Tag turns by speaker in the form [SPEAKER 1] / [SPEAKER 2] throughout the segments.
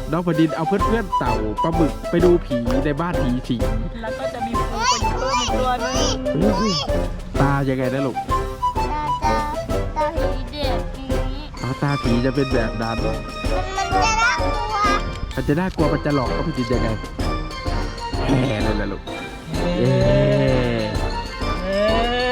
[SPEAKER 1] น้องแผ่นดินเอาเพื่อนเต่าปลาหมึกไปดูผีในบ้านผีสิง
[SPEAKER 2] แล้วก็จะมีปูไปอยู่เพิ่มอีกตัวหนึง
[SPEAKER 1] ตายังไงนะลูก
[SPEAKER 3] ตาผีเด็กนี้
[SPEAKER 1] ตาผีจะเป็นแบบนั้น
[SPEAKER 3] มันจะน่ากลัว
[SPEAKER 1] มันจะน่ากลัวมันจะหลอกก็พี่จินยังไงแห่เลยล่ะลูกเอ๊
[SPEAKER 2] เอ๊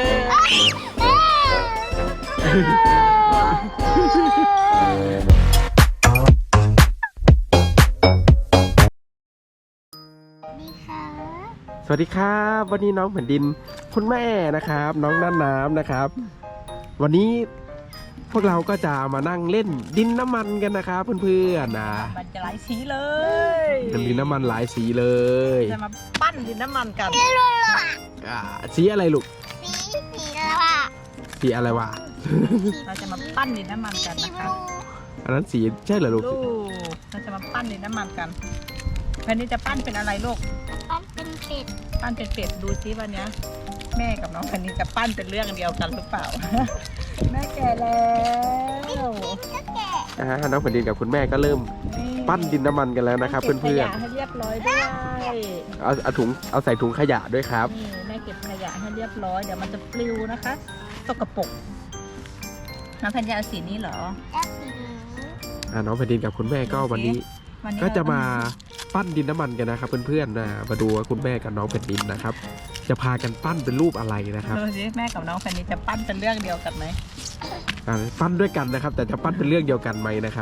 [SPEAKER 3] ดีค่ะ
[SPEAKER 1] สวัสดีครับวันนี้น้องแผ่นดินคุณแม่นะครับ น้องน่านน้ำนะครับ วันนี้พวกเราก็จะมานั่งเล่นดินน้ำมันกันนะครับเพื่อนๆนะ
[SPEAKER 2] มันจะหลายสีเลย
[SPEAKER 1] เป็นดินน้ำมันหลายสีเลย
[SPEAKER 2] จะมาปั้นดินน้ำมันกัน
[SPEAKER 1] สีอะไรลูก
[SPEAKER 3] สีแล้วอ่ะ
[SPEAKER 1] สีอะไรวะ
[SPEAKER 2] เราจะมาปั้นดินน้ำมันกัน
[SPEAKER 3] สี
[SPEAKER 2] นะ
[SPEAKER 3] บ
[SPEAKER 2] คะ
[SPEAKER 3] ลู
[SPEAKER 1] อันนั้นสีใช่เหรอลูก
[SPEAKER 2] ลูกเราจะมาปั้นดินน้ำมันกันแผ่นนี้จะปั้นเป็นอะไรลูก
[SPEAKER 3] มันเป็นเป็ด
[SPEAKER 2] ปั้นเป็นเป็ดดูซิวันเนี้ยแม่กับน้องแผ่นนี้จะปั้นเป็นเรื่องเดียวกันหรือเปล่า แม่แก่แล้ว
[SPEAKER 3] ก็แกะ
[SPEAKER 1] น้องแผ่นดินกับคุณแม่ก็เริ่มปั้นดินน้ำมันกันแล้วนะครับ
[SPEAKER 2] ก็บ
[SPEAKER 1] เพื่อน
[SPEAKER 2] ขยะให้เรียบร้อยด้วย
[SPEAKER 1] ๆเอาใส่ถุงขยะด้วยครับ
[SPEAKER 2] นี่แม่เก็บขยะให้เรียบร้อยเดี๋ยวมันจะปลิวนะคะสกปรกน้องแผ่นจะเอาสีนี้เหรอ
[SPEAKER 3] แล้วสีนี้
[SPEAKER 1] น้องแผ่นดินกับคุณแม่ก็วันนี้
[SPEAKER 2] วันนี้
[SPEAKER 1] ก็จะมาปั้นดินน้ำมันกันนะครับเพื่อนๆนะมาดูว่าคุณแม่กับน้องแผ่นดินนะครับ จะพากันปั้นเป็นรูปอะไรนะครับ
[SPEAKER 2] ดูสิแม่กับน้องแผ่นนี้จะปั้นเป็นเรื่องเดียวกันไหม
[SPEAKER 1] ปั้นด้วยกันนะครับ แต่จะปั้นเป็นเรื่องเดียวกันไหมนะครับ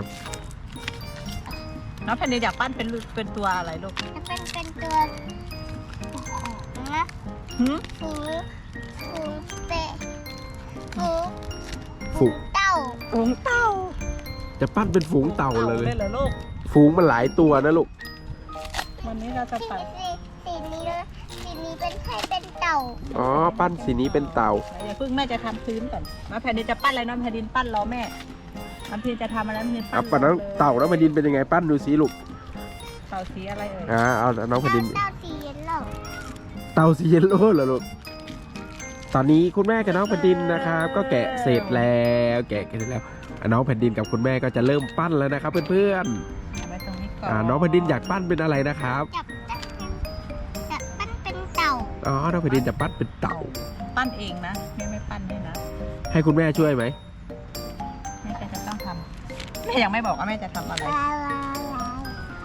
[SPEAKER 2] น้องแผ่นนี้อยากปั้นเป็นตัวอะไรลูก
[SPEAKER 3] จะเป็นตัวนะ
[SPEAKER 2] หืม
[SPEAKER 3] ฝูเป็ดฝู
[SPEAKER 1] ฝูง
[SPEAKER 3] เต่า
[SPEAKER 2] ฝูงเต่า
[SPEAKER 1] จะปั้นเป็นฝูงเต่าเลย
[SPEAKER 2] เหรอลูก
[SPEAKER 1] ฝูงมันหลายตัวนะลูก
[SPEAKER 2] วันนี้เราจะไป
[SPEAKER 3] สีนี้เป็นใครเป็นเต่า
[SPEAKER 1] อ๋อปั้นสีนี้เป็นเต่า
[SPEAKER 2] อย่าเพิ่งแม่จะทำพื้นก่อนน้องแผ่นดินจะปั้นอะไรน้องแผ่นดินปั้นรอแม่น้องแผ่นดินจะทำอะไรน้องแผ่นดินปั้น
[SPEAKER 1] ปั้นน้องเต่าน้องแผ่นดินเป็นยังไงปั้นดูสิลูก
[SPEAKER 2] เต่าสีอะไรเอ่ย
[SPEAKER 1] เอาน้องแผ่นดิน
[SPEAKER 3] เต่าสีเยลโล่
[SPEAKER 1] เต่าสีเยลโล่เหรอลูกตอนนี้คุณแม่กับน้องแผ่นดินนะครับ ก็แกะเสร็จแล้วแกะเสร็จแล้วน้องแผ่นดินกับคุณแม่ก็จะเริ่มปั้นแล้วนะครับ เพื่อน
[SPEAKER 2] เอาไว้ตรงนี้ก่อน
[SPEAKER 1] ๆน้องแผ่นดินอยากปั้นเป็นอะไรนะครับ
[SPEAKER 3] จะปั้นเป็นเต่า
[SPEAKER 1] อ๋อน้องแผ่นดินจะปั้นเป็นเต่า
[SPEAKER 2] ปั้นเองนะแม่ไม่ปั้นให้นะ
[SPEAKER 1] ให้คุณแม่ช่วยไหม
[SPEAKER 2] แม่จะต้องทำแม่ยังไม่บอกว่าแม่จะทำอะไร
[SPEAKER 3] ลาลาลา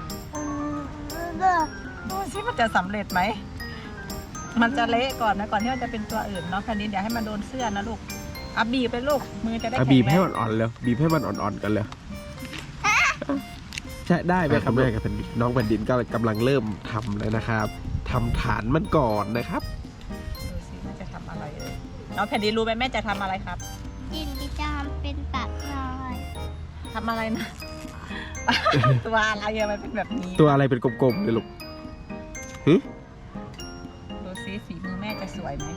[SPEAKER 2] ดูสิมันจะสำเร็จไหม มันจะเละก่อนนะก่อนที่มันจะเป็นตัวอื่นเนาะแผ่นดินอย่าให้มันโดนเสื้อนะลูกอ่ะบีบไปลูกมือจะได้
[SPEAKER 1] อ่ะ
[SPEAKER 2] แข็ง
[SPEAKER 1] บีบให้
[SPEAKER 2] แรง
[SPEAKER 1] มันอ่อนเลยบีบให้มันอ่อนๆกันเลยใช่ได้ไหมครับแม่กับแผ่นดินน้องแผ่นดินก็กำลังเริ่มทำแล้วนะครับทำฐานมันก่อนนะครับ
[SPEAKER 2] ดูสิแม่จะทำอะไรเลยน้องแผ่นดินรู้ไหมแม่จะทำอะไรครับ
[SPEAKER 3] ดินที่จะทำเป็นปากน้อย
[SPEAKER 2] ทำอะไรนะ ตัวอะไรอะมันเป็นแบบนี้
[SPEAKER 1] ตัวอะไรเป็นกลมๆเลยลูก
[SPEAKER 2] ดูสิฝีมือแม่จะสวยไหม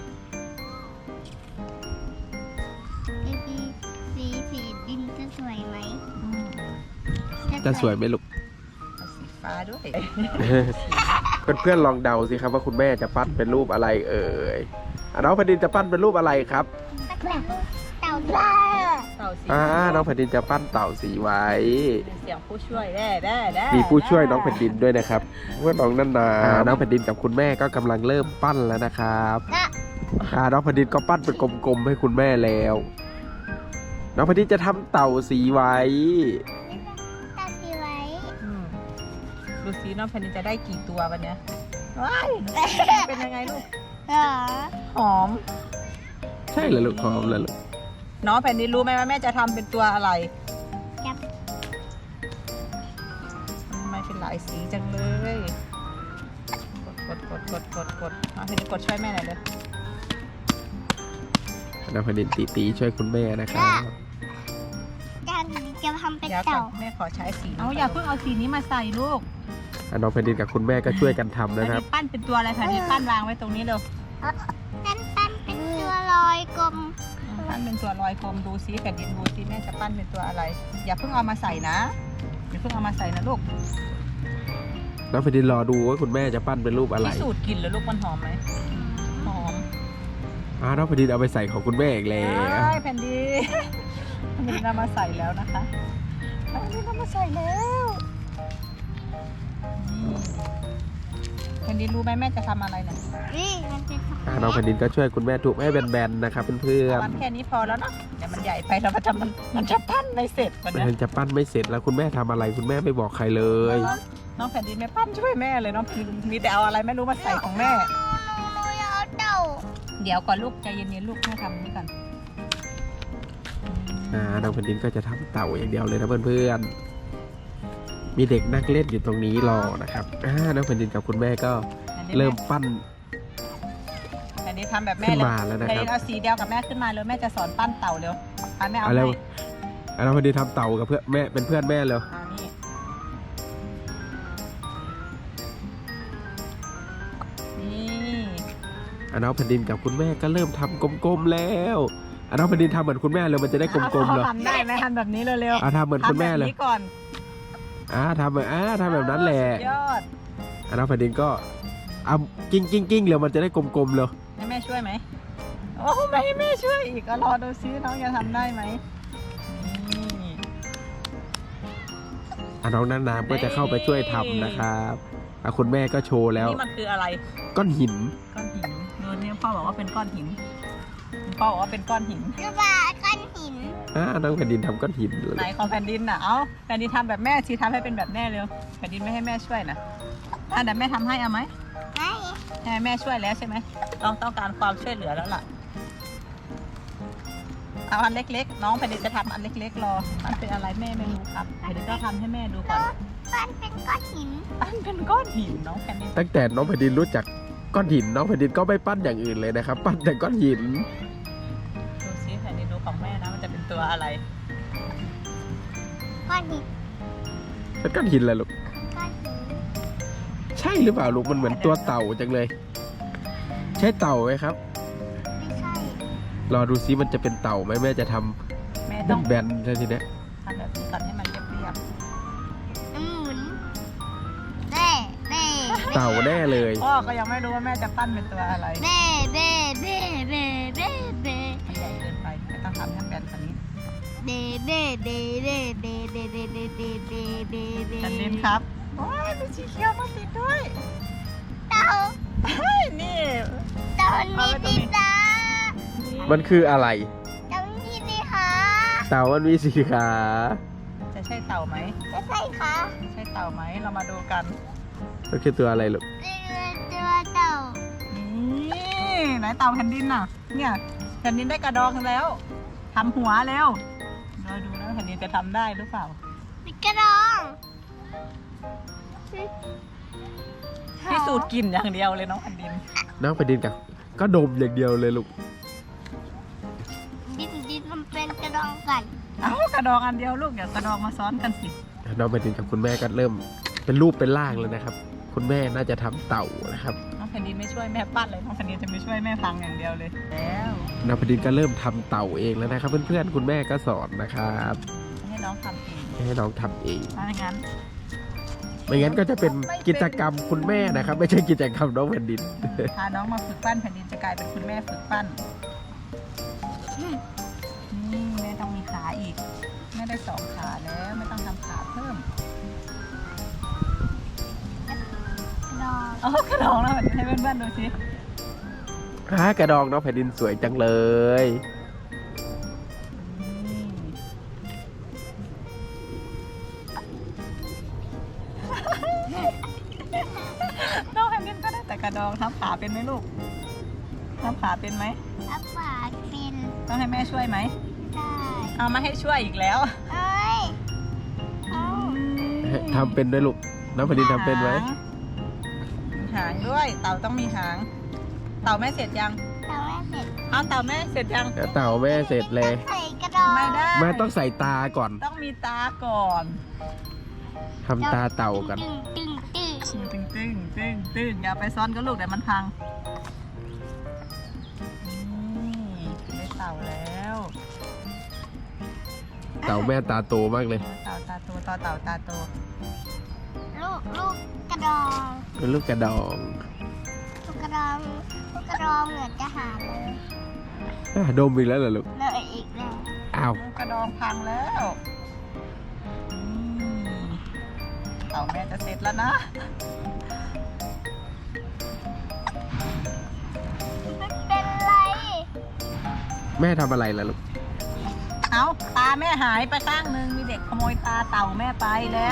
[SPEAKER 3] สีดินจะสวยไหม
[SPEAKER 1] จะสวยไหมลูก
[SPEAKER 2] เอาสีฟ้าด้วย
[SPEAKER 1] เพื่อนๆลองเดาสิครับว่าคุณแม่จะปั้นเป็นรูปอะไรเอ่ยน้องแผ่นดินจะปั้นเป็นรูปอะไรครับ
[SPEAKER 3] เต่าด้า
[SPEAKER 2] เต่าสี
[SPEAKER 1] น้องแผ่นดินจะปั้นเต่าสีไว้
[SPEAKER 2] มีเสียงผู้ช่วยได้
[SPEAKER 1] มีผู้ช่วยน้องแผ่นดินด้วยนะครับเพื่อนน้องนันนาน้องแผ่นดินกับคุณแม่ก็กำลังเริ่มปั้นแล้วนะครับน้องแผ่นดินก็ปั้นเป็นกลมๆให้คุณแม่แล้ว น้องแผ่นดินจะทำเต่าสีไว้
[SPEAKER 3] เต่าสีไว้
[SPEAKER 2] อืมดูสิน้องแผ่นดินจะได้กี่ตัววันเนี้ยว้ายเป็นยังไงลูก
[SPEAKER 3] เหรอ
[SPEAKER 2] หอม
[SPEAKER 1] ใช่เหรอลูกหอมเลยลูก
[SPEAKER 2] น้องแผ่นดินรู้ไหมว่าแม่จะทำเป็นตัวอะไร
[SPEAKER 3] จับ
[SPEAKER 2] ทำไมเป็นหลายสีจังเลยกดน้องแผ่นดินกดช่วยแม่หน่อยเลย
[SPEAKER 1] น้องแผ่นดินตีช่วยคุณแม่นะครับ
[SPEAKER 3] จะทำเป็น
[SPEAKER 2] เดี๋ยวก่อ
[SPEAKER 3] เต่าน
[SPEAKER 2] แม่ขอใช้สีเอาอย่าเพิ่งเอาสีนี้มาใส่ลูก
[SPEAKER 1] น้องแผ่นดินกับคุณแม่ก็ช่วยกันทำ
[SPEAKER 2] แผ่น
[SPEAKER 1] นะครับ
[SPEAKER 2] ดินปั้นเป็นตัวอะไรแผ่นดินปั้นวางไว้ตรงนี้เร็ว
[SPEAKER 3] ปั้นเป็นตัวลอยกลม
[SPEAKER 2] ปั้นเป็นตัวลอยกลมดูซิแผ่นดินดูซิแม่จะปั้นเป็นตัวอะไร อย่าเพิ่งเอามาใส่นะอย่าเพิ่งเอามาใส่นะลูก
[SPEAKER 1] น้องแผ่นดินรอดูว่าคุณแม่จะปั้นเป็นรูปอะไร
[SPEAKER 2] พิสูจน์กลิ่นแล้วลูกมันหอมไหมหอม
[SPEAKER 1] น้องแผ่นดินเอาไปใส่ของคุณแม่อีกแล้ว
[SPEAKER 2] ใช่แผ่นดินแผ่นดินเอามาใส่แล้วนะคะแผ่นดินเอามาใส่แล้วแผ่นดินรู้ไหมแม่จะทำอะไรเนี่ย
[SPEAKER 3] นี่มันเป็นส
[SPEAKER 1] น้องแผ่นดินก็ช่วยคุณแม่ทุบให้แบนๆนะครับเพื่อน
[SPEAKER 2] วันแค่นี้พอแล้วเนาะเดี๋ยวมันใหญ่ไปแล้วมันจะปั้นไม่เสร็จวัน
[SPEAKER 1] ๆ
[SPEAKER 2] เนี้ย
[SPEAKER 1] มันจะปั้นไม่เสร็จแล้วคุณแม่ทำอะไรคุณแม่ไม่บอกใครเลย
[SPEAKER 2] น้องแผ่นดินไม่ปั้นช่วยแม่เลยน้องแผ่นดินมีแต่เอาอะไรไม่รู้มาใส่ของแม่
[SPEAKER 3] หนูอยากเอาเต่า
[SPEAKER 2] เดี๋ยวก่อนลูกใจเย็นๆลูกแม่ทำนี่ก่อน
[SPEAKER 1] น้องแผ่นดินก็จะทำเต่าอย่างเดียวเลยนะเพื่อนๆ มีเด็กนั่งเล่นอยู่ตรงนี้รอนะครับน้องแผ่นดินกับคุณแม่ก็เริ่มปั้น
[SPEAKER 2] แผ่นดินทำแบบแม่
[SPEAKER 1] ขึ้น
[SPEAKER 2] เลย
[SPEAKER 1] มาแล้วนะ
[SPEAKER 2] แผ่น
[SPEAKER 1] ครั
[SPEAKER 2] ดิ
[SPEAKER 1] บ
[SPEAKER 2] นเอาสีเดียวกับแม่ขึ้นมาเลยแม่จะสอนปั้นเต่าเร็วแม่เอา
[SPEAKER 1] เอา
[SPEAKER 2] ให้
[SPEAKER 1] แล้วน้องแผ่นดินทำเต่ากับเพื่อนแม่เป็นเพื่อนแม่เลย
[SPEAKER 2] นี่
[SPEAKER 1] น้องแผ่นดินกับคุณแม่ก็เริ่มทำกลมๆแล้วน้องแผ่นดินทำเหมือนคุณแม่เลยมันจะได้กลมๆเลย
[SPEAKER 2] ทำได้ไหมทำแบบนี้เร็ว
[SPEAKER 1] ทำเหมือน
[SPEAKER 2] ๆ
[SPEAKER 1] คุณแม่เลย
[SPEAKER 2] ทำแบบนี้ก่อน
[SPEAKER 1] ทำแบบนั้นแหละ
[SPEAKER 2] สุดยอด
[SPEAKER 1] น้องแผ่นดินก็เอากิ้งเลยมันจะได้กลมๆเลย
[SPEAKER 2] ให้แม่ช่วยไหมโอ้ไม่ให้แม่ช่วยอีกก็รอดูซิน้องจะทำได้ไหมนี่
[SPEAKER 1] น้องน้ำก็จะเข้าไปช่วยทำนะครับคุณแม่ก็โชว์แล้ว
[SPEAKER 2] นี่มันคืออะไร
[SPEAKER 1] ก้อนหิน
[SPEAKER 2] ก้อนหินดูนี่พ่อบอกว่าเป็นก้อนหินพ่อบอกว่าเป็นก้อนหิน
[SPEAKER 3] กระบะก้อนหิน
[SPEAKER 1] น้องแผ่นดินทำก้อนหินเลย
[SPEAKER 2] ไหนของแผ่นดินน่ะ เอาแผ่นดินทำแบบแม่ชีทำให้เป็นแบบแม่เร็วแผ่นดินไม่ให้แม่ช่วยนะเดี๋ยวแม่ทำให้เอาไหม
[SPEAKER 3] ไม่
[SPEAKER 2] ให้แม่ช่วยแล้วใช่ไหมต้องการความช่วยเหลือแล้วล่ะ เอาอันเล็กๆ น้องแผ่นดินจะทำอันเล็กๆรอมันเป็นอะไรแม่ไม่รู้ครับแผ่นดินก็ทำให้แม่ดูก่อน
[SPEAKER 3] ปั้นเป็นก้อนหิน
[SPEAKER 2] อันเป็นก้อนหินน้องแผ่นดิน
[SPEAKER 1] ตั้งแต่น้องแผ่นดินรู้จักก้อนหินน้องแผ่นดินก็ไม่ปั้นอย่างอื่นเลยนะครับ ปั้นแต่ก้อนหิน
[SPEAKER 2] ดูซิแผ่นดินดูของแม่นะมันจะเป็นตัวอะไร
[SPEAKER 3] ก้อนหิน
[SPEAKER 1] เป็นก้อนหินเลยลูก
[SPEAKER 3] ก้อนหิน
[SPEAKER 1] ใช่หรือเปล่าลูกมันเหมือนตัวเต่าจังเลย ใช่เต่าไหมครับ
[SPEAKER 3] ไม่ใช่
[SPEAKER 1] รอดูซิมันจะเป็นเต่าไหมแม่จะท
[SPEAKER 2] แม่ต้อง
[SPEAKER 1] ำแบนๆใช่ทีเนี้ย
[SPEAKER 2] ทำแบบนี้ก่อนให้มันเรียบ
[SPEAKER 3] หมุนเบ้เบ้
[SPEAKER 1] เต่าแน่เลย
[SPEAKER 2] ๆพ่อก็ยังไม่รู้ว่าแม่จะปั้นเป็นตัวอะไร
[SPEAKER 3] เบ้เบ้เบ้เบ้เบ้เบ้
[SPEAKER 2] มันใหญ่เกินไปไม่ต้องทำให้แบนกว่านี้
[SPEAKER 3] เบ้เบ้เบ้เบ้เบ้เบ้เบ้เบ้เบ้เบ้เบ้เบ้
[SPEAKER 2] แผ่นดินครับโอ้ยมีสีเขียวมาติดด้วย
[SPEAKER 3] เต่า
[SPEAKER 2] เฮ้ยนี่
[SPEAKER 3] เต่ามีสีตา
[SPEAKER 1] มันคืออะไร
[SPEAKER 3] เต่ามีสีขา
[SPEAKER 1] เต่ามันมีสีขา
[SPEAKER 2] จะใช่เต่าไหม
[SPEAKER 3] จะใช่ขา
[SPEAKER 2] ใช่เต่าไหมเรามาดูกัน
[SPEAKER 1] มันคือตัวอะไรลูก
[SPEAKER 3] ตัวเต่า
[SPEAKER 2] นี่ไหนเต่าแผ่นดินน่ะ เนี่ยแผ่นดินได้กระดองแล้วทำหัวเร็วเราดูนะแผ่นดินจะทำได้หรือเปล่า
[SPEAKER 3] มีกระดอง
[SPEAKER 2] พิสูจน์กลิ่นอย่างเดียวเลยน้องแผ่นดิน
[SPEAKER 1] น้องแผ่นดินกับก็ดมอย่างเดียวเลยลูก
[SPEAKER 3] ดินมันเป็นกระดองกัน
[SPEAKER 2] เอ้ากระดองอันเดียวลูกเดี๋ยวกระดองมาซ้อนกันสิ
[SPEAKER 1] น้องแผ่นดินกับคุณแม่ก็เริ่มเป็นรูปเป็นร่างเลยนะครับ คุณแม่น่าจะทำเต่านะครับ
[SPEAKER 2] น้องแผ่นดินไม่ช่วยแม่ปั้นเลยน้องแผ่นดินจะไม่ช่วยแม่พังอย่างเดียวเลยแล้ว
[SPEAKER 1] น้องแผ่นดินก็เริ่มทำเต่าเองแล้วนะครับ เพื่อนๆคุณแม่ก็สอนนะครับ
[SPEAKER 2] ให้น้องทำเอง
[SPEAKER 1] ให้น้องทำเอง
[SPEAKER 2] ถ้าอย่างนั้น
[SPEAKER 1] ไม่งั้นก็จะเป็นกิจกรรมคุณแม่นะครับ ไม่ใช่กิจกรรมน้องแผ่นดิน
[SPEAKER 2] พาน้องมาฝึกปั้นแผ่นดินจะกลายเป็นคุณแม่ฝึกปั้นนี่แม่ต้องมีขาอีกแม่ได้2 ขาแล้วไม่ต้องทำขาเพิ่ม
[SPEAKER 3] กระดอง
[SPEAKER 2] เอากระดองแล้วแผ่นดินให้เพื่อนๆดูสิ
[SPEAKER 1] กระดองน้องแผ่นดินสวยจังเลย น้องแผ่นดินก็ได้แต่กระดองทำขาเป็นไหมลูกทำขาเป็นไหม
[SPEAKER 3] อัปปาฟิน
[SPEAKER 2] ต้องให้แม่ช่วยไหม
[SPEAKER 3] ได้
[SPEAKER 2] เอามาให้ช่วยอีกแล้ว
[SPEAKER 3] เอ้ยเอา
[SPEAKER 1] ทำเป็นด้วยลูก น้องแผ่นดินทำเป็นไหม
[SPEAKER 2] หางด้วย เต่าต้องมีหาง เต่าแม่เสร็จยัง
[SPEAKER 3] ทำไม่เสร็จ
[SPEAKER 2] เอาเต่าแม่เสร็จยัง
[SPEAKER 1] เต่าแม่เสร็จเลย
[SPEAKER 3] ใส่กระดอง
[SPEAKER 2] ไม่ได้
[SPEAKER 1] แม่ต้องใส่ตาก่อน
[SPEAKER 2] ต้องมีตาก่อน
[SPEAKER 1] ทำตาเต่าก่อน
[SPEAKER 3] ตึงตึงตึง
[SPEAKER 2] ตึงตึงตึงตึงอย่าไปซ้อนกับลูกเดี๋ยวมันพังนี่ได้เต่าแล้ว
[SPEAKER 1] เต่าแม่ตาโตมากเลย
[SPEAKER 2] เต่าตาโตต่อเต่าตาโต
[SPEAKER 3] ลูกกระดอง
[SPEAKER 1] เป็นลูกกระดอง
[SPEAKER 3] ลูกกระดองลูกกระดองเหมือนจะหาเลย
[SPEAKER 1] ดมอีกแล้วเหรอลูก
[SPEAKER 3] เลยอีกแล้ว
[SPEAKER 1] อ้าว
[SPEAKER 2] กระดองพังแล้วเต่าแม่จะเสร็จแล้วนะ
[SPEAKER 3] มันเป็นไร
[SPEAKER 1] แม่ทำอะไรล่ะลูก
[SPEAKER 2] เอาตาแม่หายไปข้างนึงมีเด็กขโมยตาเต่าแม่ไปแล้ว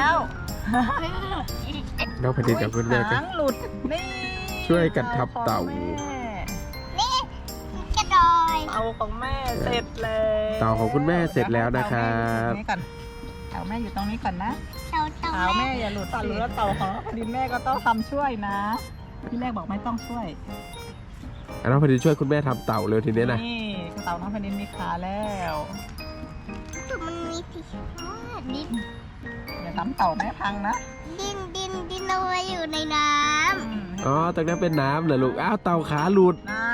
[SPEAKER 1] น้องแผ่นดินกับคุณแม่ก็
[SPEAKER 2] หางหลุดนี่
[SPEAKER 1] ช่วยกันทับเต่า
[SPEAKER 2] ของแม่
[SPEAKER 3] นี่กระดอย
[SPEAKER 2] เต่าของแม่เสร็จแล้ว
[SPEAKER 1] เต่าของคุณแม่เสร็จแล้วนะครับ
[SPEAKER 2] เต่าแม่อยู่ตรงนี้ก่อนเต่าแม่อยู่ตรงนี้ก่อนนะ
[SPEAKER 3] เต่า
[SPEAKER 2] เต่าแม่อย่าหลุดหรือว่าเต่าของพอดีแม่ก็ต้องทำช่วยนะพี่แรกบอกไม่ต้องช่วย
[SPEAKER 1] น้องแผ่นดินช่วยคุณแม่ทำเต่าเลยทีนี้นะ
[SPEAKER 2] นี่เต่าน้องแผ่นดินมีขาแล้ว
[SPEAKER 3] คือมันมีที่ดิน
[SPEAKER 2] อย่าทำเต่าแม่พังนะ
[SPEAKER 3] ดินเอาไว้อยู่ในน้
[SPEAKER 1] อ๋อตรงนั้นเป็นน้ำเหรอลูก อ้าวเต่าขาหลุด
[SPEAKER 2] น่าน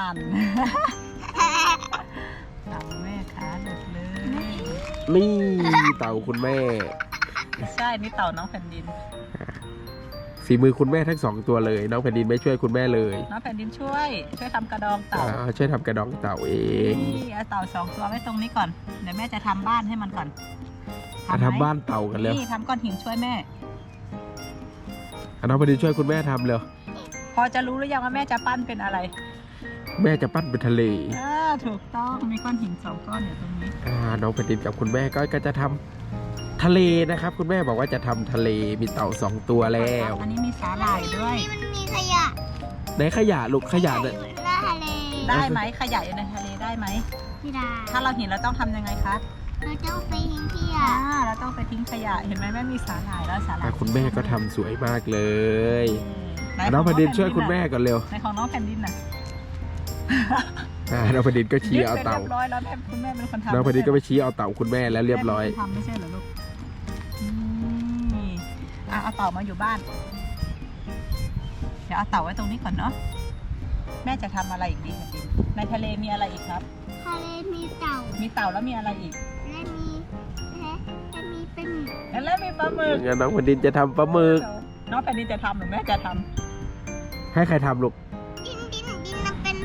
[SPEAKER 2] เต่าแม่ขาหลุดเลย
[SPEAKER 1] นี่เต่าคุณแม่
[SPEAKER 2] ใช่นี่เต่าน้องแผ่นดิน
[SPEAKER 1] ฝีมือคุณแม่ทั้ง2ตัวเลย น้องแผ่นดินไม่ช่วยคุณแม่เลย
[SPEAKER 2] น้องแผ่นดินช่วยทำกระดองเต่า
[SPEAKER 1] ช่วยทำกระดองเต่าเอง
[SPEAKER 2] นี่เอาเต่า2 ตัวไว้ตรงนี้ก่อนเดี๋ยวแม่จะทำบ้านให้มันก่อน
[SPEAKER 1] มาทำบ้านเต่ากันเลย
[SPEAKER 2] นี่ทำก้อนหินช่วยแม่
[SPEAKER 1] น้องแผ่นดินช่วยคุณแม่ทำเลย
[SPEAKER 2] พอจะรู้หรือยังว่าแม่จะปั้นเป็นอะไร
[SPEAKER 1] แม่จะปั้นเป็นทะเล
[SPEAKER 2] ถูกต้องมีก้อนหิน2 ก้อนอยู่ตรงนี้
[SPEAKER 1] น้องแผ่นดินกับคุณแม่ก็จะทำทะเลนะครับ คุณแม่บอกว่าจะทำทะเลมีเต่า2 ตัวแล้ว
[SPEAKER 2] อันนี้มีสาหร่ายด้วย
[SPEAKER 3] ำมันมีขยะ
[SPEAKER 1] ในขยะลูกขยะเนี่ย
[SPEAKER 3] อยู่หน้าทะเล
[SPEAKER 2] ได้ไหมขยะอยู่ในทะเลได้ไหม
[SPEAKER 3] ไม่ได้
[SPEAKER 2] ถ้าเราเห็นเราต้องทำยังไงคะ
[SPEAKER 3] เราต้องไปทิ้งขยะ
[SPEAKER 2] เราต้องไปทิ้งขยะเห็นไหมแม่มีสาหร่ายแล้วสาหร่าย
[SPEAKER 1] คุณแม่ก็ทำสวยมากเลย
[SPEAKER 2] ไห
[SPEAKER 1] น้องแผ่นดินช่วยคุณแม่ก่อนเร็ว
[SPEAKER 2] ในของน้องแผ่นดินน่ะ
[SPEAKER 1] น้องแผ่นดินก็ชี้เอา
[SPEAKER 2] ยึดไป
[SPEAKER 1] เต่า
[SPEAKER 2] เรียบร้อยแล้วแม่คุณแม่เป็นคนทำ
[SPEAKER 1] น้องแผ่นดินก็ไปชี้เอาเต่าคุณแม่แล้วเรียบร้อย
[SPEAKER 2] แม่เป็นคนทำไม่ใช่เหรอลูกนี่เอาเต่ามาอยู่บ้าน เดี๋ยวเอาเต่าไว้ตรงนี้ก่อนเนาะแม่จะทำอะไรอีกดีแผ่นดินในทะเลมีอะไรอีกครับ
[SPEAKER 3] ทะเลมีเต่า
[SPEAKER 2] มีเต่าแล้วมีอะไรอีก
[SPEAKER 3] และมีเป็น
[SPEAKER 2] แล้วมีปลาหมึก
[SPEAKER 1] งั้นน้องแผ่นดินจะทำปลาหมึก
[SPEAKER 2] น้องแผ่นดินจะทำหรือแม่จะทำ
[SPEAKER 1] ให้ใครทำลูก
[SPEAKER 3] ดินมันเป็น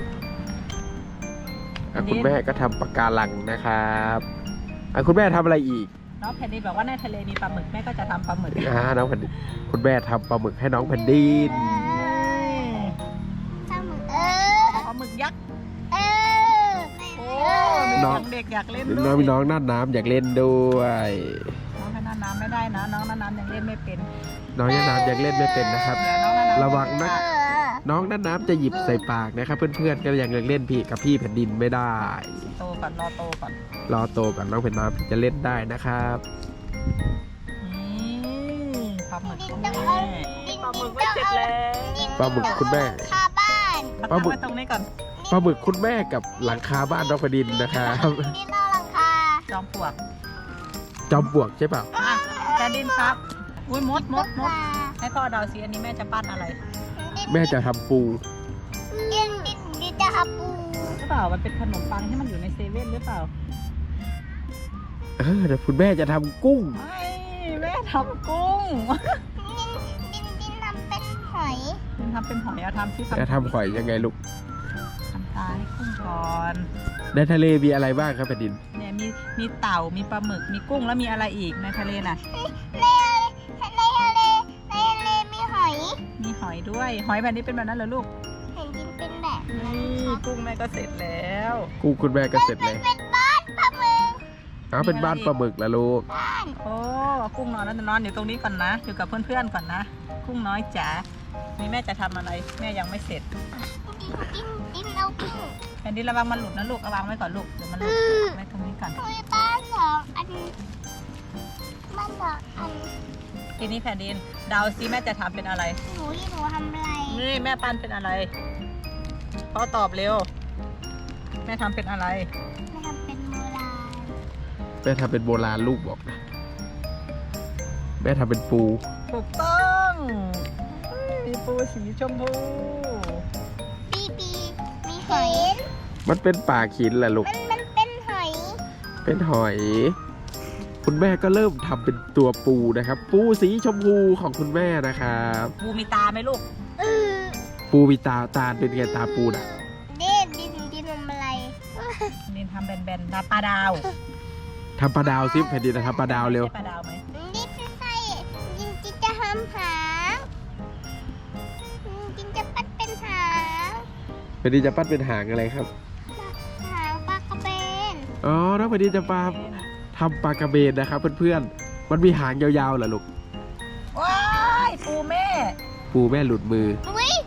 [SPEAKER 1] คุณแม่ก็ทำปะการังนะครับคุณแม่ทำอะไรอีก
[SPEAKER 2] น้องแผ่นดินบอกว่าในทะเลมีปลาหมึกแม่ก็จะทำปลาหมึก
[SPEAKER 1] น้องแผ่นดินคุณแม่ทำปลาหมึกให้น้องแผ่นดิน
[SPEAKER 3] ปลาหมึก
[SPEAKER 2] ปลาหมึกยักษ์
[SPEAKER 3] เออ
[SPEAKER 2] โอ้มี
[SPEAKER 1] น้อง
[SPEAKER 2] เด็กอยากเล่น
[SPEAKER 1] น้องมีน้องน่านน้ำอยากเล่นด้วย
[SPEAKER 2] น้องให้น้ำไม่ได้นะน้องน้ำยังเล่นไม่เป็น
[SPEAKER 1] น้องน่านน้ำอยากเล่นไม่เป็นนะครับ
[SPEAKER 2] เดี๋ยวน้องน้ำ
[SPEAKER 1] ระวังนะ น้องน่านน้ำจะหยิบใส่ปากนะครับ เพื่อนๆก็ยังเล่นพี่กับพี่แผ่นดินไม่ได้
[SPEAKER 2] โตก่อนรอโตก่อน
[SPEAKER 1] รอโตก่อนน้องแผ่นน้ำจะเล่นได้นะครับ
[SPEAKER 2] นี่ปลาหมึกของแม่
[SPEAKER 3] ปลาหมึกไม่เสร็จแล้ว
[SPEAKER 1] ปลาหมึกคุณแม่
[SPEAKER 3] คาบ้าน
[SPEAKER 1] ปลาหมึก
[SPEAKER 2] ไว้ตรงนี้ก่อน
[SPEAKER 1] ปลาหมึกคุณแม่กับหลังคาบ้านน้องแผ่นดินนะครับ
[SPEAKER 3] ดินนอกหลังคา
[SPEAKER 2] จอมปลวก
[SPEAKER 1] จอมปลวกใช่เปล่า
[SPEAKER 2] อ่ะแผ่นดินครับอุ้ยมดให้พ่อเดาสิอันนี้แม่จะปั้นอะไร
[SPEAKER 1] แม่จะทำปู
[SPEAKER 3] ดินจะหาปู
[SPEAKER 2] หรือเปล่ามันเป็นขนมปังที่มันอยู่ในเซเว่นหรือเปล่า
[SPEAKER 1] แต่คุณแม่จะทำกุ้ง
[SPEAKER 2] ไม่แม่ทำกุ้ง
[SPEAKER 3] ดินทำเป็นหอย
[SPEAKER 2] คุณทำเป็นหอยเอาทำซิ
[SPEAKER 1] จะทำหอยยังไงลูก
[SPEAKER 2] ทำตาให้กุ้งก่อน
[SPEAKER 1] ในทะเลมีอะไรบ้างครับแผ่นดิน
[SPEAKER 2] เนี่ยมีเต่ามีปลาหมึกมีกุ้งแล้วมีอะไรอีกในทะเลน่ะ
[SPEAKER 3] ในทะเลมีหอย
[SPEAKER 2] มีหอยด้วยหอยแบบนี้เป็นแบบนั้นเหรอลูก
[SPEAKER 3] เห็นดินเป็นแบบ
[SPEAKER 2] นี่กุ้งแม่ก็เสร็จแล้ว
[SPEAKER 1] กุ้งคุณแม่ก็เสร็จเลย
[SPEAKER 3] เป็นบ้านปลาหมึก
[SPEAKER 1] เป็นบ้านปลาหมึกแล้วลูก
[SPEAKER 3] บ้าน
[SPEAKER 2] โอ้กุ้งนอนแล้วนอนอยู่ตรงนี้ก่อนนะอยู่กับเพื่อนๆก่อนนะกุ้งน้อยจ๋านี่แม่จะทำอะไรแม่ยังไม่เสร็จ
[SPEAKER 3] ดินเอากุ้ง
[SPEAKER 2] แผ่นดินระวังมันหลุดนะลูกระวังไว้ก่อนลูกเดี๋ยวมันหลุดไว้ตรงนี้ก่อน
[SPEAKER 3] คุยบ้าน2 อันบ้าน2 อัน
[SPEAKER 2] ทีนี้แผ่นดินเดาซิแม่จะทำเป็นอะไร
[SPEAKER 3] หนูทำอะไร
[SPEAKER 2] นี่แม่ปั้นเป็นอะไรพ่อตอบเร็วแม่ทำเป็นอะไร
[SPEAKER 3] ไม่ทำเป็นโบราณ
[SPEAKER 1] แม่ทำเป็นโบราณลูกบอกนะแม่ทำเป็นปู
[SPEAKER 2] ถูกต้องมีปูสีชมพู
[SPEAKER 3] ปีมีหอย
[SPEAKER 1] มันเป็นปากหินแหละลูก
[SPEAKER 3] มันเป็นหอย
[SPEAKER 1] เป็นหอย คุณแม่ก็เริ่มทำเป็นตัวปูนะครับ ปูสีชมพูของคุณแม่นะครับ
[SPEAKER 2] ปูมีตาไหมลูก
[SPEAKER 1] ปูมีตาเป็นไงตาปูน่ะ
[SPEAKER 3] ดินทำอะไร
[SPEAKER 2] นินทำแบนๆตาปลาดาว
[SPEAKER 1] ทำปลาดาวซิแผ่นดินทำปลาดาวเร็ว
[SPEAKER 2] ใช่ปลาดาวไหม
[SPEAKER 3] ดินใส่ดินจะท
[SPEAKER 1] แผ่นดินจะปั้นเป็นหางอะไรครับ
[SPEAKER 3] หางปลากระเบน
[SPEAKER 1] อ๋อน้องแผ่นดินจะทำปลากระเบนนะครับเพื่อนๆมันมีหางยาวๆเหรอลูก
[SPEAKER 2] ว้ายปูแม่
[SPEAKER 1] ปูแม่หลุดมือ
[SPEAKER 3] อุ้ย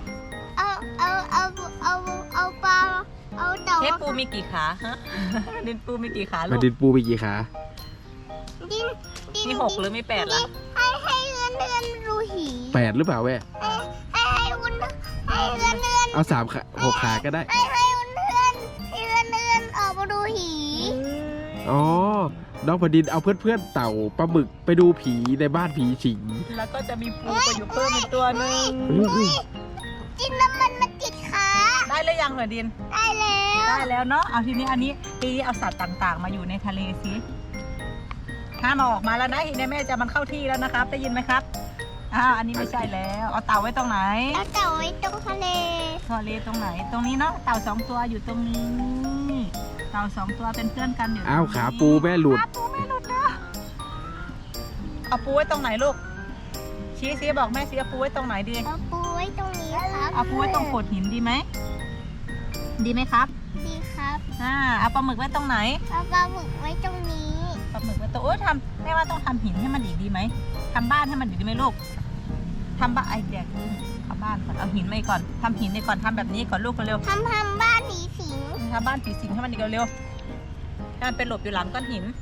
[SPEAKER 3] เอาปลาเอาเต่า
[SPEAKER 2] เทปปูมีกี่ขาฮะ ดินปูมีกี่ขาลู
[SPEAKER 1] แผ่
[SPEAKER 2] ก
[SPEAKER 1] นดินปูมีกี่ขา
[SPEAKER 3] ดิน
[SPEAKER 2] มี 6 หรือมี 8 ล่ะ
[SPEAKER 3] ให้เงินรูหี
[SPEAKER 1] 8 หรือเปล่าแม่
[SPEAKER 3] ให้เงิน
[SPEAKER 1] เอา3 ขา 6 ขาก็ได้
[SPEAKER 3] ให้เงินออกมาดูหี
[SPEAKER 1] อ๋อ น้องแผ่นดินเอาเพื่อนๆเต่าปลาหมึกไปดูผีในบ้านผีสิง
[SPEAKER 2] แล้วก็จะมีปูไปอยู่เพิ่มอีกตัวหนึ่ง
[SPEAKER 3] กินน้ำมันมาติดขา
[SPEAKER 2] ได้หรือยังเหรอดิน
[SPEAKER 3] ได้แล้ว
[SPEAKER 2] ได้แล้วเนาะ เอาทีนี้อันนี้ทีนี้เอาสัตว์ต่างๆ มาอยู่ในทะเลสิห้ามเอาออกมาแล้วนะทีนี้แม่จะมันเข้าที่แล้วนะครับ ได้ยินไหมครับ อ้าว อันนี้ไม่ใช่แล้ว เอาเต่าไว้ตรงไหน
[SPEAKER 3] แล้วเต่าไว้ตรงทะเล
[SPEAKER 2] ทะเลตรงไหน ตรงนี้เนาะ เต่า2 ตัวอยู่ตรงนี้ เต่า2 ตัวเป็นเพื่อนกันอยู่ตรงนี้
[SPEAKER 1] อ้าวขาปูแม่หลุด
[SPEAKER 2] ขาปูไม่หลุดนะเอาปูไว้ตรงไหนลูก ชี้ซิบอกแม่ซิเอาปูไว้ตรงไหนดี
[SPEAKER 3] เอาปูไว้ตรงนี้ครับ
[SPEAKER 2] เอาปูไว้ตรงโขดหินดีไหม ดีไหมครับ
[SPEAKER 3] ดีครับ
[SPEAKER 2] เอาปลาหมึกไว้ตรงไหน
[SPEAKER 3] เอาปลาหมึกไว้ตรงนี้
[SPEAKER 2] ปลาหมึกไว้ตรงโอ้ยแม่ว่าต้องทำหินให้มันอีกดีไหมทำบ้านให้มันอีกดีไหมลูกทำบ้านไอเดียคือทำบ้านก่อนเอาหินมาก่อนทำหินในก่อนทำแบบนี้ก่อนลูกเร็ว
[SPEAKER 3] ทำบ้านผีสิง
[SPEAKER 2] ทำบ้านผีสิงให้มันอีกเร็วๆให้มันเป็นหลบอยู่หลังก้อนหิน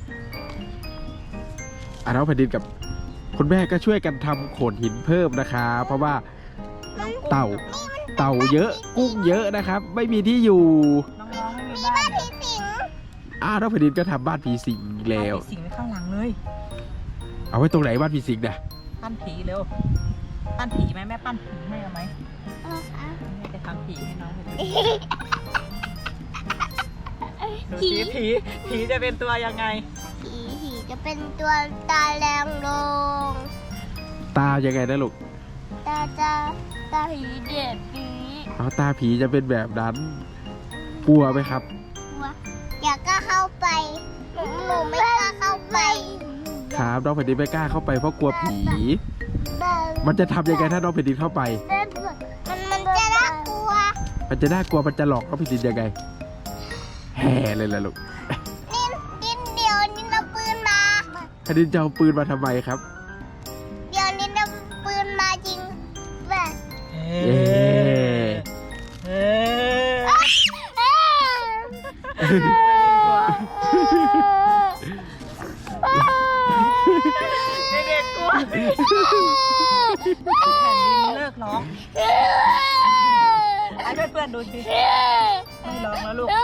[SPEAKER 1] น้องแผ่นดินกับคุณแม่ก็ช่วยกันทำโขดหินเพิ่มนะคะเพราะว่าเต่าเยอะกุ้งเยอะนะครับ ไม่มีที่อยู่
[SPEAKER 2] น้องๆไม่มีบ้าน
[SPEAKER 3] ผีสิง
[SPEAKER 1] น้องแผ่นดินก็ทำบ้านผีสิงอีกแล้ว
[SPEAKER 2] ผีสิงไว้ข้างหลังเลย
[SPEAKER 1] เอาไว้ตรงไหนบ้านผีสิงเนี่ย
[SPEAKER 2] ปั้นผีเร็วปั้นผีไหมแม่ปั้นผีให้เอาไหม
[SPEAKER 3] เอาเอา
[SPEAKER 2] แม่จะทำผีให้น้องดู
[SPEAKER 3] ผี
[SPEAKER 2] สิผีจะเป็นตัวยังไง
[SPEAKER 3] ผีจะเป็นตัวตาแรงลง
[SPEAKER 1] ตายังไงนะลูก
[SPEAKER 3] ตาผีเด็ดผี
[SPEAKER 1] ตาผีจะเป็นแบบนั้นกลัวไหมครับ
[SPEAKER 3] อยากก็เข้าไปหนูไม่กล้าเข้าไป
[SPEAKER 1] ครับน้องแผ่นดินไม่กล้าเข้าไปเพราะกลัวผี มันจะทำยังไงถ้าน้องแผ่นดินเข้าไป
[SPEAKER 3] มันจะน่ากลัว
[SPEAKER 1] มันจะน่ากลัวมันจะหลอกน้องแผ่นดินยังไงแห่เลยล่ะลูก
[SPEAKER 3] นินเดี๋ยวนินเอาปืนมา
[SPEAKER 1] แผ่นดินจะเอาปืนมาทำไมครับ
[SPEAKER 3] เดี๋ยวนินเอาปืนมาจริงแบบ
[SPEAKER 1] เย้
[SPEAKER 2] เด็กๆกลัวแผ่นดินเลิกร้องให้เพื่อนๆดูสิไม่ร้องแล้วลูก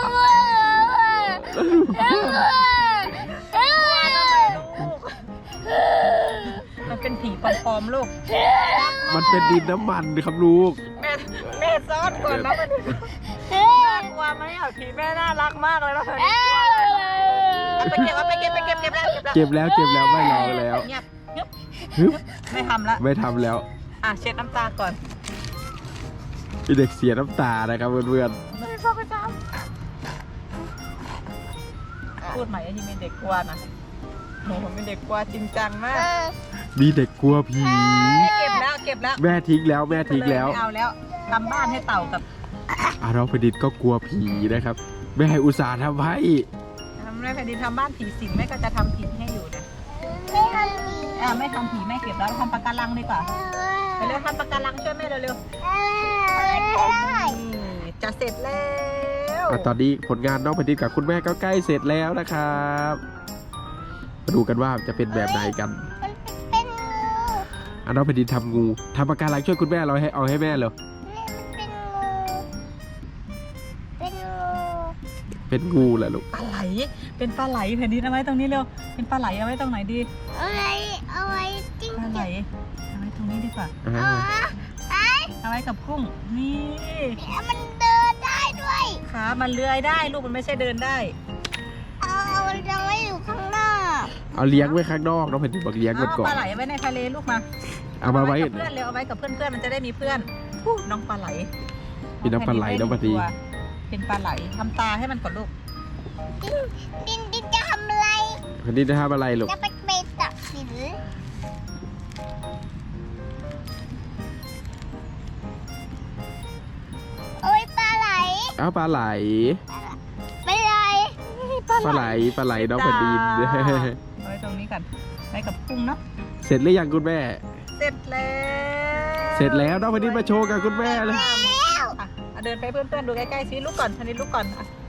[SPEAKER 2] มันเป็นผีปลอมๆลูก
[SPEAKER 1] มันเป็นดินน้ำมันครับลูก
[SPEAKER 2] แม่ซ้อนก่อนนะมันน่ากลัวไหมอ่ะผีแม่น่ารักมากเลยแล้วเธอไปเก็บแล้ว
[SPEAKER 1] เก็บแล้วไม่รอแล้ว
[SPEAKER 2] เงียบ
[SPEAKER 1] ฮึบ
[SPEAKER 2] ไม่ทำละ
[SPEAKER 1] ไม่ทำแล้ว
[SPEAKER 2] เช็ดน้ำตาก่อน
[SPEAKER 1] มีเด็กเสียน้ำตานะครับเพื่อน
[SPEAKER 2] ไม่ชอบไปซ้ำพูดใหม่ไอ้นี่เป็นเด็กกลัวนะโหผมเป็นเด็กกลัวจริงจังมาก
[SPEAKER 1] ๆมีเด็กกลัวผี
[SPEAKER 2] เก็บแล้ว
[SPEAKER 1] แม่ทิ้งแล้ว
[SPEAKER 2] ไม่เอาแล้วทำบ้านให้เต่ากับ
[SPEAKER 1] น้องแผ่นดินก็กลัวผีนะครับแม่อุตส่าห์ทำให้
[SPEAKER 2] ทำในแผ่นดินทำบ้านผีสิงแม่ก็จะทำผีให้อยู่นะ
[SPEAKER 3] ไม่ทำผี
[SPEAKER 2] ไม่ทำผีแม่เก็บแล้วทำปะการังดีกว่าไปเร็วทำปะการังช่วยแม่เร็วๆจะเสร็จแล้ว
[SPEAKER 1] ตอนนี้ผลงานน้องแผ่นดินกับคุณแม่ก็ใกล้เสร็จแล้วนะครับมาดูกันว่าจะเป็นแบบไหนกัน
[SPEAKER 3] มันเป็นงู
[SPEAKER 1] น้องแผ่นดินทำงูทำปากการังช่วยคุณแม่เราให้เอาให้แม่เลย
[SPEAKER 3] เป็นงู
[SPEAKER 1] เป็นงูแหละลูก
[SPEAKER 2] ปลาไหลเป็นปลาไหลแผ่นดินเอาไว้ตรงนี้เร็วเป็นปลาไหลเอาไว้ตรงไหนดี
[SPEAKER 3] เอาไว้จิ้ง
[SPEAKER 2] ปลาไหล
[SPEAKER 3] จก
[SPEAKER 2] เอาไว้ตรงนี้ดีกว่า เอาไว้กับกุ้งนี่
[SPEAKER 3] มันเดินได้ด้วย
[SPEAKER 2] ขามันเลื้อยได้ลูกมันไม่ใช่เดินได้
[SPEAKER 3] มันจะไม่อยู่ข้างนอก
[SPEAKER 1] เอาเลี้ยงไว้ข้างนอกน้องแผ่นดินบอกเลี้ยงมันก่อ
[SPEAKER 2] ป
[SPEAKER 1] น
[SPEAKER 2] ลาไหลไว้ในทะเลลูกมา
[SPEAKER 1] เอามาไว้
[SPEAKER 2] กับเพื่อนเร็วเอาไว้กับเพื่อนมันจะได้มีเพื่อนน้องปลาไหล
[SPEAKER 1] มีน้องปลาไหลน้องปลาดี
[SPEAKER 2] เป็นปลาไหลทำตาให้มันก่อนลูก
[SPEAKER 3] ดินจะทำอะไร
[SPEAKER 1] แผ่นดินจะทำอะไรลูก
[SPEAKER 3] จะไปตัดสินโอ้ยปลาไหล
[SPEAKER 1] เอาปลาไหล
[SPEAKER 3] ไม่ไร
[SPEAKER 1] ปลาไหลน้องแผ่นดิน
[SPEAKER 2] เอาไว้ตรงนี้ก่อนไว้กับกุ้งเนาะ
[SPEAKER 1] เสร็จหรือยังคุณแม่
[SPEAKER 2] เสร็จแล้ว
[SPEAKER 1] เสร็จแล้วน้องแผ่นดินมาโชว์กับคุณแม่เลย
[SPEAKER 2] เดินไปเพื่อนๆดูใกล้ๆสิลูกก่อนทันนี้ลูกก่อน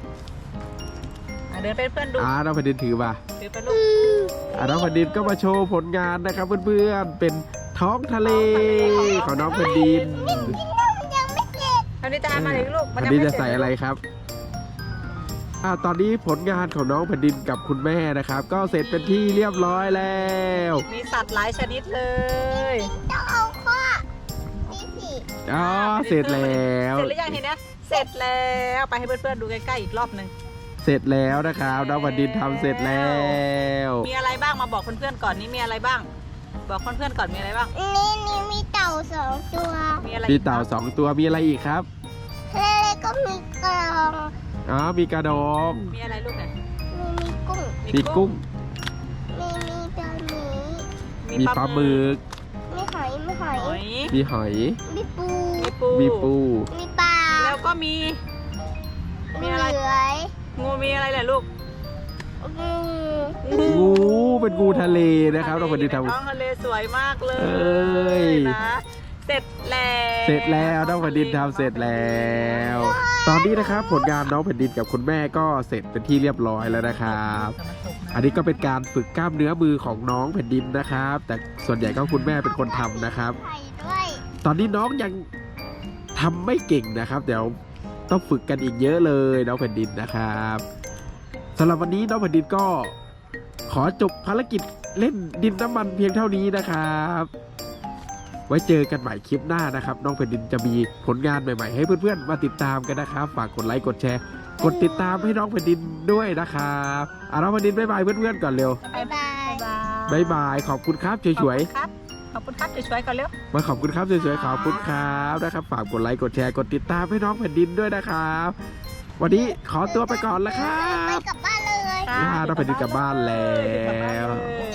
[SPEAKER 2] เดินไปเพื่อนดู
[SPEAKER 1] น้องแผ่นดินถือมา
[SPEAKER 2] ถือไปลูก
[SPEAKER 1] น้องแผ่นดินก็มาโชว์ผลงานนะครับเพื่อนๆเป็นท้องทะเลของน้องแผ่นดิน
[SPEAKER 3] ยังไม่เสร็จ
[SPEAKER 2] ทันนี้จะอ่านมาเลยลูก
[SPEAKER 1] แผ่นดินจะใส่อะไรครับตอนนี้ผลงานของน้องแผ่นดินกับคุณแม่นะครับ ก็เสร็จเป็นที่เรียบร้อยแล้ว
[SPEAKER 2] มีสัตว์หลายชนิดเลย
[SPEAKER 3] ต้องเอาข้อนี่สิ
[SPEAKER 1] อ๋อเสร็จแล้ว
[SPEAKER 2] เสร็จหรือยังทีเนี้ยเสร็จแล้วไปให้เพื่อนๆดูใกล้ๆอีกรอบหนึ่ง
[SPEAKER 1] เสร็จแล้วนะครับน้องแผ่นดินทำเสร็จแล้ว
[SPEAKER 2] มีอะไรบ้างมาบอกเพื่อนๆก่อนนี่มีอะไรบ้าง บอกเพื่อนๆก่อนมีอะไรบ้าง
[SPEAKER 3] นี่มีเต่า2 ตัว
[SPEAKER 2] มีอะไร
[SPEAKER 1] มีเต่า2 ตัวมีอะไรอีกครับ
[SPEAKER 3] แล้วก็มีกระรอง
[SPEAKER 1] อ๋อมีกระดอง
[SPEAKER 2] มีอะไรลูกเนี่ย
[SPEAKER 3] มีกุ้ง
[SPEAKER 1] มีกุ้ง
[SPEAKER 3] มีปลาหมี
[SPEAKER 1] มีปลาหมึก
[SPEAKER 3] มีหอย
[SPEAKER 2] หอย
[SPEAKER 1] มีหอย
[SPEAKER 3] มีปู
[SPEAKER 1] มีปู
[SPEAKER 3] มีปลา
[SPEAKER 2] แล้วก็มี มีอะไร
[SPEAKER 3] เหลือย
[SPEAKER 2] งูมีอะไรแหละลูก
[SPEAKER 3] งู
[SPEAKER 1] งูเป็นงูทะเลนะครับน้องแผ่นดินทำ
[SPEAKER 2] ท้องทะเลสวยมากเล
[SPEAKER 1] เอ้ย
[SPEAKER 2] นะเสร็จแล้ว
[SPEAKER 1] เสร็จแล้วน้องแผ่นดินทำเสร็จแล้ว ตอนนี้นะครับผลงานน้องแผ่นดินกับคุณแม่ก็เสร็จเป็นที่เรียบร้อยแล้วนะครับ อันนี้ก็เป็นการฝึกกล้ามเนื้อมือของน้องแผ่นดินนะครับ แต่ส่วนใหญ่ก็คุณแม่เป็นคนทำนะครับ
[SPEAKER 3] ไข่ด้วย
[SPEAKER 1] ตอนนี้น้องยังทำไม่เก่งนะครับเดี๋ยวต้องฝึกกันอีกเยอะเลยน้องแผ่นดินนะครับสำหรับวันนี้น้องแผ่นดินก็ขอจบภารกิจเล่นดินน้ำมันเพียงเท่านี้นะครับ ไว้เจอกันใหม่คลิปหน้านะครับน้องแผ่นดินจะมีผลงานใหม่ๆให้เพื่อนๆมาติดตามกันนะครับฝากกดไลค์กดแชร์กดติดตามให้น้องแผ่นดินด้วยนะครับน้องแผ่นดินบ๊ายบายเพื่อนๆก่อนเร็ว
[SPEAKER 3] บ๊ายบาย
[SPEAKER 1] บ๊ายบายขอบคุณครับสวยๆ
[SPEAKER 2] ขอบคุณครับสวยๆก่อนเร็ว
[SPEAKER 1] มาขอบคุณครับสวยๆขอบคุณครับนะครับฝากกดไลค์กดแชร์กดติดตามให้น้องแผ่นดินด้วยนะครับวันนี้ขอตัวไปก่อนแล้วครั
[SPEAKER 3] ไป
[SPEAKER 1] บ
[SPEAKER 3] กลับบ้านเลย
[SPEAKER 1] น้องแผ่นดินกลับบ้านแล้ว
[SPEAKER 2] กลับบ้านเลย